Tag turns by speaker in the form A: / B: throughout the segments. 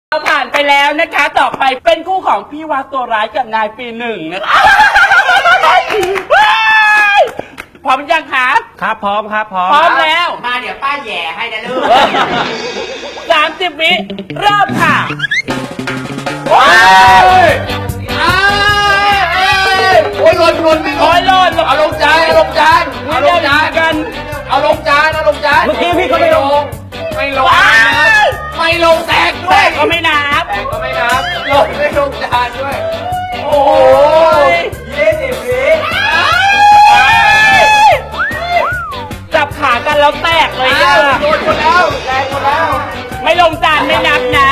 A: เราผ่านไปแล้วนะคะต่อไปเป็นคู่ของพี่วาตัวร้ายกับนายปีหนึ่งนะคะพร้อมยังครับ
B: ครับพร้อมครับพร้อม
A: พร้อมแล้ว
C: มาเดี๋ยวป้าแย่ให้นะลูก
A: 30 วิเริ่มค่ะ
D: โอ้ยหล่น
A: โอ้ยหล่น
D: เอาลงจานเอาลงจานเอาลงจาน
A: กัน
D: เอาลงจานเอาลงจาน
B: เมื่อกี้พี่ก็ไม่ลง
D: ไม่ลงไม่ลงแตกด้ว
A: แต่
D: ย
A: ก็ไม่นับ
D: แตกก็ไม่นับลงไม่ลงจานด้วย
A: โอ้ย
D: 20 วิ
A: จับขากันแล้วแตกเลย
D: อ้า
A: อ่ะ
D: วโดนหมดแล้วแตกหมดแล้ว
A: ไม่ลงจานไม่นับนะ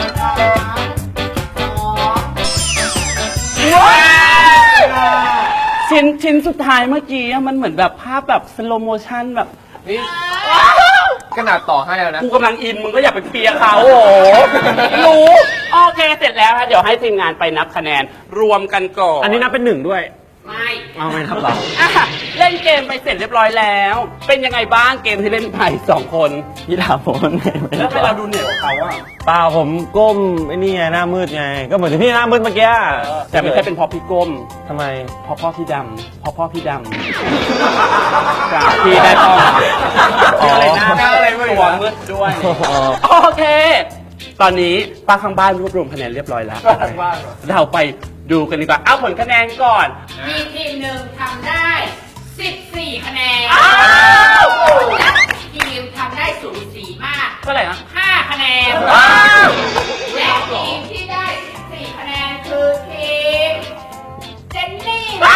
A: ชิ้นสุดท้ายเมื่อกี้มันเหมือนแบบภาพแบบสโลโมชั่นแบบ
D: นี่ขนาดต่อให้แล้วนะ
A: กูกำลังอินมึงก็อย่าไปเปียเขาโอ้โหรู้โอเคเสร็จแล้วฮะเดี๋ยวให้ทีมงานไปนับคะแนนรวมกันก่อน
B: อันนี้นับเป็น1ด้วย
C: ไม่
B: เอาไม่นับหรอ
A: อ่ะเล่นเกมไปเสร็จเรียบร้อยแล้ว เป็นยังไงบ้างเกมที่เล่นไป2 คน
B: พี่ถามผมว่าเหนื่อยไหม
A: แล้วทำไมเราดูเหนื่อยกว่าเขาอ่ะ
B: เปล่าผมก้มไอ้นี่ไงหน้ามืดไง ก็เหมือนที่พี่หน้ามืดเมื่อกี้
A: แต่ไม่ใช่เป็นเพราะพี่ก้ม
B: ทำไม
A: เพราะพ่อพี่ดำเพราะพ่อพี่ดำจากพี่ได้ต้องอะไรนะ
D: หน้าอะไรไม่รู้
A: ตัวมืดด้วย โอเค ตอนนี้ป้าข้างบ้านรวบรวมคะแนนเรียบร้อยแล้ว เราไปดูกันดีกว่า เอาผลคะแนนก่อน
C: มีทีมหนึ่งทำได้ 14 คะแนน
A: อ้าว
C: และทีมทำได้สูสีมาก
A: เท่าไหร่นะ
C: 5 คะแนน
A: ว้าว
C: และทีมที่ได้ 14 คะแนนคือทีมเจนนี่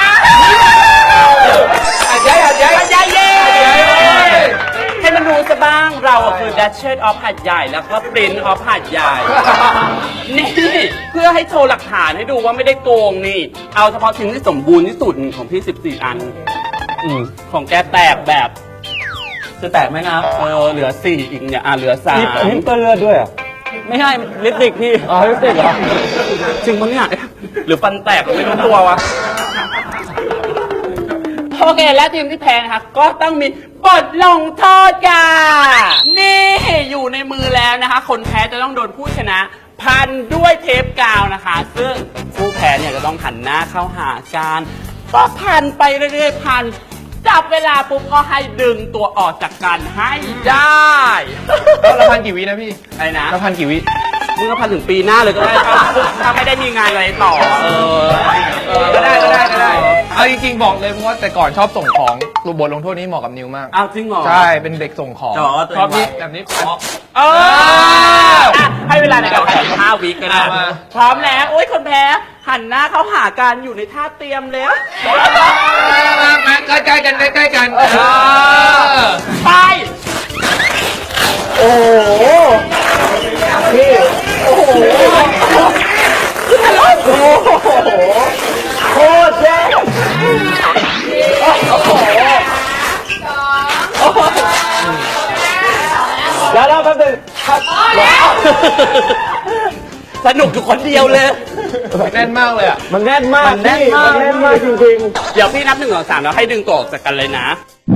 D: อาจารย์อาจารย์
A: อาจารย์เย้ให้มันรู้ซะบ้างเราคือ Duchess of หัดใหญ่แล้วก็ Prince of หัดใหญ่ นี่เพื่อให้โชว์หลักฐานให้ดูว่าไม่ได้โกงนี่ เอาเฉพาะชิ้นที่สมบูรณ์ที่สุดของพี่14 อันของแกแตกแบบจะแตกไหมนะเหลือ4อีกเนี่ยเหลือ3
B: นี่นี่เปื้อนเลือดด้วยเหรอไม่ใช่ลิปสติกพี่ อ๋อลิปสติกเหรอ
A: จริงปะเนี่ยหรือฟันแตกไม่รู้ตัววะโอเคและทีมที่แพ้นะคะก็ต้องมีบทลงโทษค่ะนี่อยู่ในมือแล้วนะคะ คนแพ้จะต้องโดนผู้ชนะ พันด้วยเทปกาวนะคะ ซึ่งผู้แพ้เนี่ยจะต้องหันหน้าเข้าหากันก็พันไปเรื่อยๆพันจับเวลาปุ๊บก็ให้ดึงตัวออกจากกันให้ได้
D: เราพันกี่วินะพี่
A: อะไรนะ
D: เราพันกี่วิ
A: มึงก็พันถึงปีหน้าเลยก็ได้ถ้าไม่ได้มีงานอะไรต่อ
D: ก็ได้เอาจริงๆบอกเลยเพราะว่าแต่ก่อนชอบส่งของรูบทลงโทษนี้เหมาะกับนิวมาก
A: เอาจริงเหรอ
D: ใช่เป็นเด็กส่งของ
A: อ๋อตัวเอง
D: ชอบนี่แบบนี้
A: ให้เวลาในการแข่ง5 วิก็ได้
D: มา
A: พร้อมแล้วโอ้ยคนแพ้หันหน้าเข้าหากันอยู่ในท่าเตรียมแล้ว
D: มาใกล้ๆกันใกล้ๆกัน
A: ไปโอ้โหพี่โอ้โหโอ้โหโคตรเจ๋งโอ้โหแล้วเราแป๊บนึงสนุกอยู่คนเดียวเลย
D: แน่นมากเลยอ่ะ
B: มันแน่นมาก
A: มันแน่นมาก
B: มันแน่นมากจริง
A: เดี๋ยวพี่นับ1 2 3แล้วให้ดึงตัวออกจากกันเลยนะ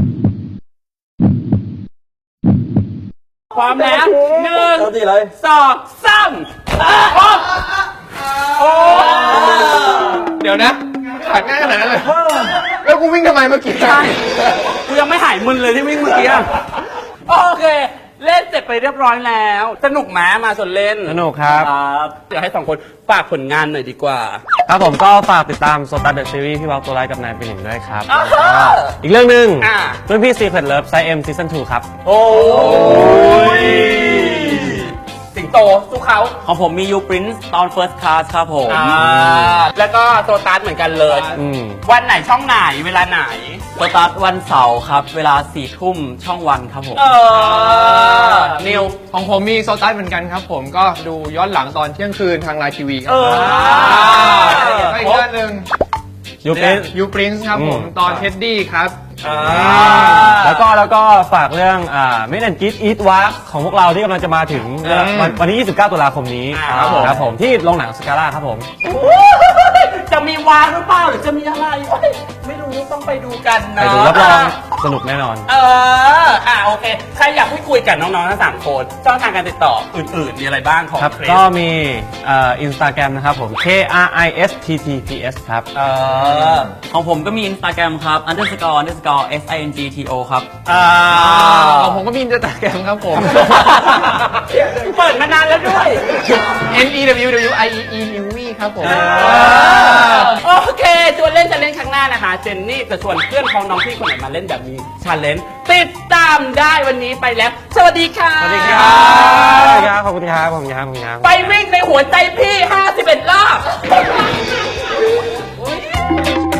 A: พร้อมแล้ว
B: ๆเอาสิเลย
A: 1 2 3โอ้
D: เดี๋ยวนะขาดง่ายขนาดนั้นเลยแล้วกูวิ่งทำไมเมื่อกี้
A: ใช่กูยังไม่หายมึนเลยที่วิ่งเมื่อกี้อะโอเค เล่นเสร็จไปเรียบร้อยแล้ว สนุกไหมมาส่วนเล่น
B: สนุกครับ
A: เดี๋ยวให้2 คนฝากผลงานหน่อยดีกว่า
B: ครับผมก็ฝากติดตามโซตัสเดอะซีรีส์พี่วาวตัวร้ายกับนายเป็นหนึ่งด้วยครับ
A: อ้าว
B: อีกเรื่องหนึ่ง
A: อ่า
B: เรื่องพี่ Secret Love Side M Season 2 ครับ
A: โอ้ยสิงโตสู้เขา
E: ของผมมี You Prince ตอน First Class ครับผม
A: แล้วก็โซตัสเหมือนกันเลย
B: อืม
A: วันไหนช่องไหนเวลาไหน
E: สตาร์ทวันเสาร์ครับ เวลา 4 ทุ่มช่องวันครับผม
A: นิว
D: ของผมมีโซตัสเหมือนกันครับผมก็ดูย้อนหลังตอนเที่ยงคืนทางไลน์ทีวีครับอีกเรื่องหนึ่ง
B: You Prince
D: ยูปรินซ์ครับผมตอนเท็ดดี้ครับ
B: แล้วก็ฝากเรื่องMeet and Greet Eat Walk ของพวกเราที่กำลังจะมาถึงวันที่ 29 ตุลาคมนี้
A: ครับผม
B: ครับผมที่โรงหนังสกาล่าครับผม
A: จะมีวางหรือเปล่าหรือจะมีอะไรโอ๊ยไม่รู้ต้องไปดูกัน
B: ไป
A: เนาะ
B: ดูรับรองสนุกแน่นอน
A: โอเค ใครอยากพูดคุยกับน้องๆทั้ง3คนช่องทางการติดต่ออื่นๆ มีอะไรบ้างของ
B: ครับ
A: คริส
B: ก็มีInstagram นะครับผม KRISTTPS ครับ
E: ของผมก็มี Instagram ครับ __SINGTO ครับ
D: ของผมก็มีอินสตาแกรมครับผม
A: เปิดมานานแล้วด้วย
D: NEWWIEE Newmy ครับผม
A: โอเคชวนเล่นจะเล่นครั้งหน้านะคะ เจนนี่จะชวนเพื่อนของน้องพี่คนไหนมาเล่นแบบนี้ชาเลนจ์ติดตามได้วันนี้ไปแล้ว สวัสดีค่ะ
B: สวัสดีครับ ขอบคุณครับ ขอบคุณครับ ขอบคุณครับ
A: ไปวิ่งในหัวใจพี่ 51 รอบ